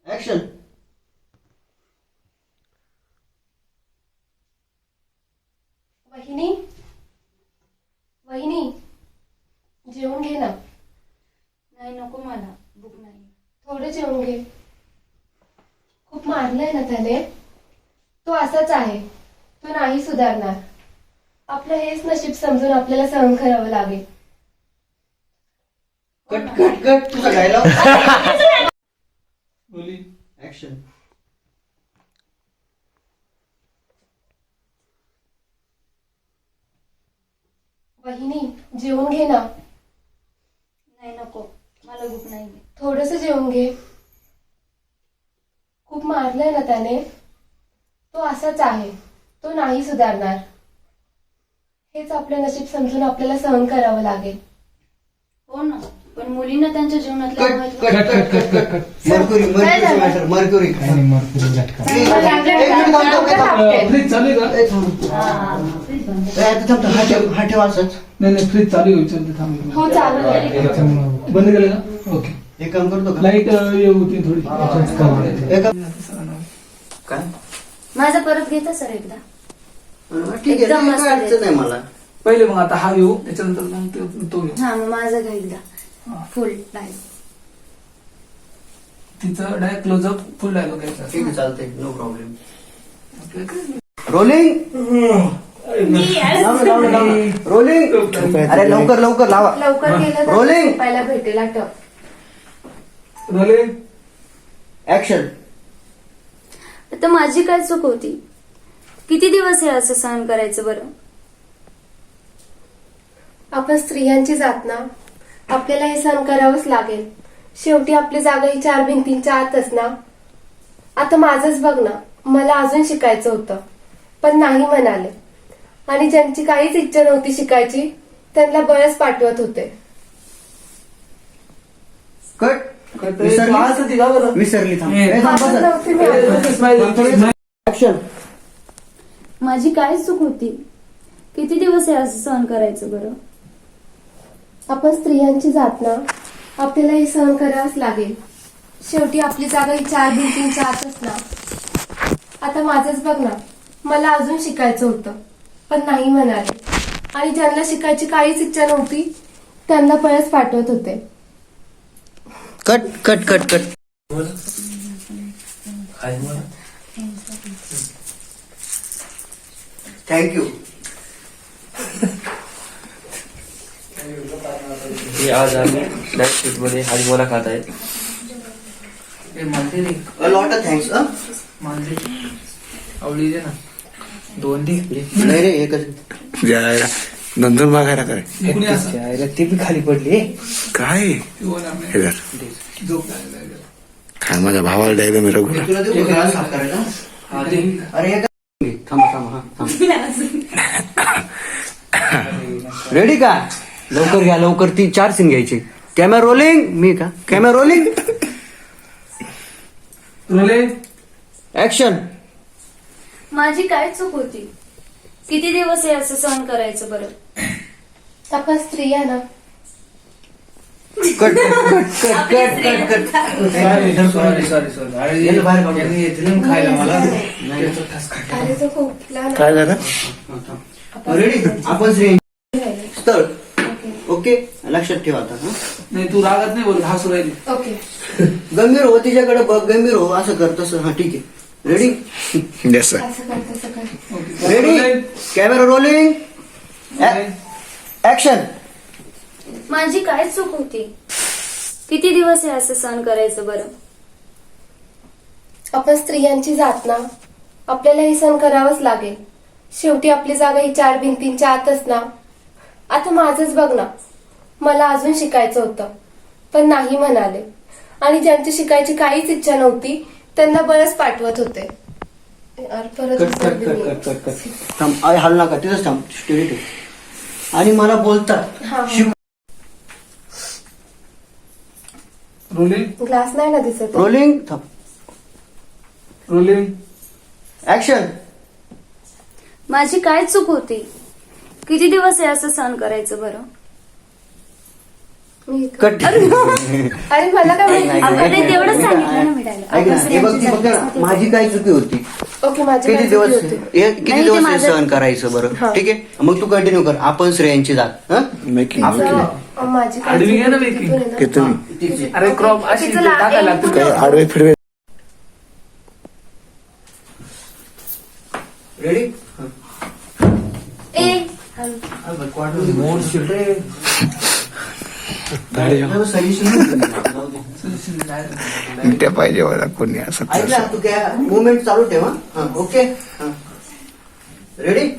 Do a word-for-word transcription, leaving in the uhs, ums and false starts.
Action. वहिनी वहिनी जेवून घे ना. नाही नको मला भूक नाही. थोडं जेवून घे. खूप मारलंय ना त्याने. तो असाच आहे. तो नाही सुधारणार. आपलं हेच नशीब समजून आपल्याला सहन करावं लागेल. कट कट कट तुझा डायलॉग. बोली ऍक्शन. वहिनी जेवून घे ना. नाही नको मला भूक नाही. थोडस जेवून घे. खूप मारलंय ना त्याने. तो असाच आहे. तो नाही सुधारणार. हेच आपलं नशीब समजून आपल्याला सहन करावं लागेल. हो ना पण मुलींना त्यांच्या जीवनातलं कट महत्त्व cut cut cut cut cut mercury mercury matter mercury. काय नाही मरतो झटका. प्लीज एक मिनिट थांब थांब थांब. फ्रीज चालू आहे का? ए, थांब. ए, आता थांब थांब. हा ठेव हा ठेव असंच. नाही नाही फ्रीज चालू आहे विचारते थांब. हो चालू आहे. त्याच्यामुळं बंद केलं का? ओके. एक काम करतो का? लाईट येऊ होती थोडी झटका. एक काम- काय माझा परत घेता सर एकदा. अरे, ठीक आहे एकदम ठीक मस्त आहे, अडचण नाही मला. पहिले मग आता हा येऊ त्याच्यानंतर मग ते- तो येऊ. हा मग माझं घेईल फुल टाइम. तिचं डायरेक्ट क्लोजअप फुल डायलॉग घ्यायचा. ठीक आहे चालतंय नो प्रॉब्लेम. रोलिंग. रोलिंग. अरे लवकर लवकर लावा. लवकर गेलं तर Rolling. झोपायला भेटेल आठव. Rolling action. आता माझी काय चूक होती. किती दिवस हे असं सहन करायचं बरं. आपण स्त्रियांची जात ना. आपल्याला हे सहन करावंच लागेल. शेवटी आपली जागा ही चार भिंतींच्या आतच ना. आता माझंच बघ ना. मला अजून शिकायचं होतं पण नाही म्हणाले. आणि ज्यांची काहीच इच्छा नव्हती शिकायची त्यांना बळच पाठवत होते. कट. कट. विसरली? आज होती का बरं? विसरली थांब. ए, ए, थांब पाठवत बसा. नव्हती मी अजून. ऍक्शन. माझी काय चूक होती. किती दिवस हे असं सहन करायचं बरं. आपण स्त्रियांची जात ना. आपल्याला हे सहन करावंच लागेल. शेवटी आपली जागा ही चार भिंतींच्या आतच ना. आता माझंच बघ ना. मला अजून शिकायचं होतं पण नाही म्हणाले. आणि ज्यांना शिकायची काहीच इच्छा नव्हती त्यांना पळस पाठवत होते. Cut cut cut cut. Thank you. हे आज आम्ही नाईट शिफ्ट मध्ये हाजमोला खात आहे. ए, मालते रे अ लॉट ऑफ थँक्स. मालते आवडी दे ना दोन दे. नाही रे एकच. जायला नंतर मागायला काय कोणी असं ते बी खाली पडले. काय किंवा नाही. हे धर. झोप लागली, लागली. काय माझ्या भावाला द्यायला मी रघुला तुला देऊ का घरात साफ करायला? हा, दे. अरे एक थांबा थांबा हा थांब. रेडी का? लवकर घ्या लवकर. ती चार सीन घ्यायची. Camera rolling. मी का कॅमेरा रोलिंग. Rolling action. माझी काय चूक होती. किती दिवस हे असं सहन करायचं बरं. आपण स्त्रिया ना. Cut cut cut cut cut cut. Sorry sorry sorry अरे याला बाहेर काढून. यांनी येतील ना खायला मला त्याचा ठस खायला. अरे तो खोकला ना. काय झालं रेडी. आपण श्री स्थळ. ओके लक्षात ठेवा आता. हा? नाही तू रागात नाही बोल हसू राहिली. ओके. गंभीर हो तिच्याकडे बघ. गंभीर हो असं कर तसं. हा ठीक आहे. रेडी. येस सर असं कर तसं कर. Okay. Ready. Camera rolling. Action. माझी काय चूक होती. किती दिवस हे असं सहन करायचं बरं. आपण स्त्रियांची जात ना. आपल्याला हे सहन करावंच लागेल. शेवटी आपली जागा ही चार भिंतींच्या आतच ना. आता माझंच बघ ना. मला अजून शिकायचं होतं पण नाही म्हणाले. आणि ज्यांची शिकायची काहीच इच्छा नव्हती त्यांना बळच पाठवत होते. यार, परत कट कट विसरली कट मी. Cut cut cut. थांब. अरे हल नका तिथंच थांब. स्टेडी ठेव. आणि मला बोलतात. हा, हा. शिव- रोलिंग ग्लास नाही ना दिसत. रोलिंग. थांब. Rolling action. माझी काय चूक होती. किती दिवस हे असं सहन करायचं बरं. मी कट अरे मला काय माहिती? आपण नाही तेवढंच सांगितलं ना मिळालं. ऐक ना, आपण हे बघ ती स्त्रियांची बघ ना, जात माझी काय चुकी होती ओके माझी किती काय दिवस चुकी होती? हे किती नाही, ते दिवस हे माझं- सहन करायचं बरं हा. ठीक आहे मग तू कंटिन्यू कर आपण स्त्रियांची जात हं? मेकिंग तिचं- माझी काय आडवी चुकी घे ना होती baking. तिथून आहे ना. ते तुम्ही तिची- अरे क्रॉप अशी तिचं ला- टाकायला एक लागते. काय आडवे फिरवे रेडी ए मोर शिटे. त्या पाहिजे मला कोणी असं ऐक ना तू काय मुवमेंट चालू ठेवा ओके रेडी